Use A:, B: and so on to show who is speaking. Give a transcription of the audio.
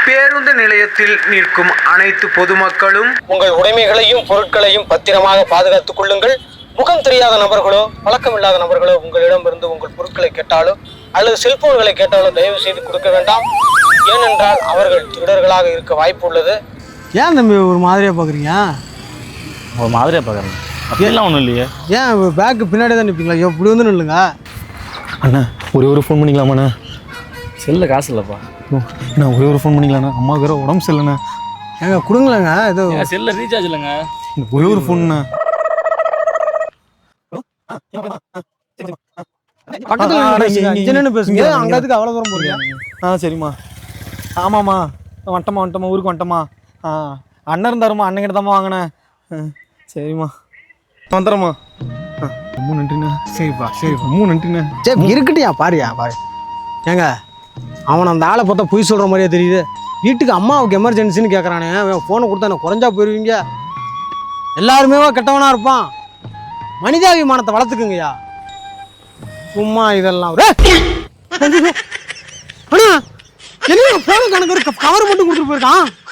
A: பேருந்து நிலையத்தில் நிற்கும் அனைத்து பொதுமக்களும்
B: உங்கள் உடைமைகளையும் பொருட்களையும் பத்திரமாக பாதுகாத்துக் கொள்ளுங்கள். முகம் தெரியாத நபர்களோ பழக்கமில்லாத நபர்களோ உங்களிடமிருந்து உங்கள் பொருட்களை கேட்டாலோ அல்லது செல்போன்களை கேட்டாலோ தயவு செய்து கொடுக்க வேண்டாம். ஏனென்றால் அவர்கள் திருடர்களாக இருக்க வாய்ப்பு உள்ளது.
C: ஏன் தம்பி ஒரு மாதிரியா பார்க்குறீங்க?
D: ஒரு மாதிரியா பார்க்குறேன். அப்படிலாம் ஒன்றும் இல்லையே.
C: ஏன் பேக்கு பின்னாடி தான் நிற்பீங்களா? இப்படி வந்து நில்லுங்க.
D: அண்ணா ஒரே ஒரு ஃபோன் பண்ணிக்கலாமாண்ணா? செல்ல காசு இல்லைப்பா. அண்ணா ஒரே ஒரு ஃபோன் பண்ணிக்கலாண்ணா, அம்மாவுக்கு வேறு உடம்பு சரியில்லைண்ணா.
C: ஏங்க கொடுங்களேங்க. ஏதோ
D: செல்ல ரீசார்ஜ் இல்லைங்க, ஒரே ஒரு ஃபோன்ண்ணா.
C: பக்கத்தில் பேசுங்க. அங்கத்துக்கு அவ்வளோ தூரம் போறீங்க?
D: சரிம்மா. ஆமாம்மா வந்துட்டோமா ஊருக்கு வந்துட்டோமா. அண்ணன் இருந்தாருமா, அண்ணன் தாம்மா வாங்கினேன். சரிம்மா வந்துடுறேம்மா. ரொம்ப நன்றிண்ணா. சரிப்பா ரொம்ப நன்றிண்ணா.
C: சரி இருக்கட்டியா பாரியா பாரு. ஏங்க அவன் அந்த ஆளை பார்த்தா பொய் சொல்கிற மாதிரியே தெரியுது. வீட்டுக்கு அம்மாவுக்கு எமர்ஜென்சின்னு கேட்குறானே, ஃபோனை கொடுத்தா எனக்கு குறைஞ்சா போயிடுவீங்க. எல்லாருமே கெட்டவனாக இருப்பான். மனிதாபிமானத்தை வளர்த்துக்குங்கய்யா. சும்மா இதெல்லாம் அண்ணா என்ன ஃபோனு கணக்கு கவர் மட்டும் கொடுத்துட்டு போயிருக்கான்.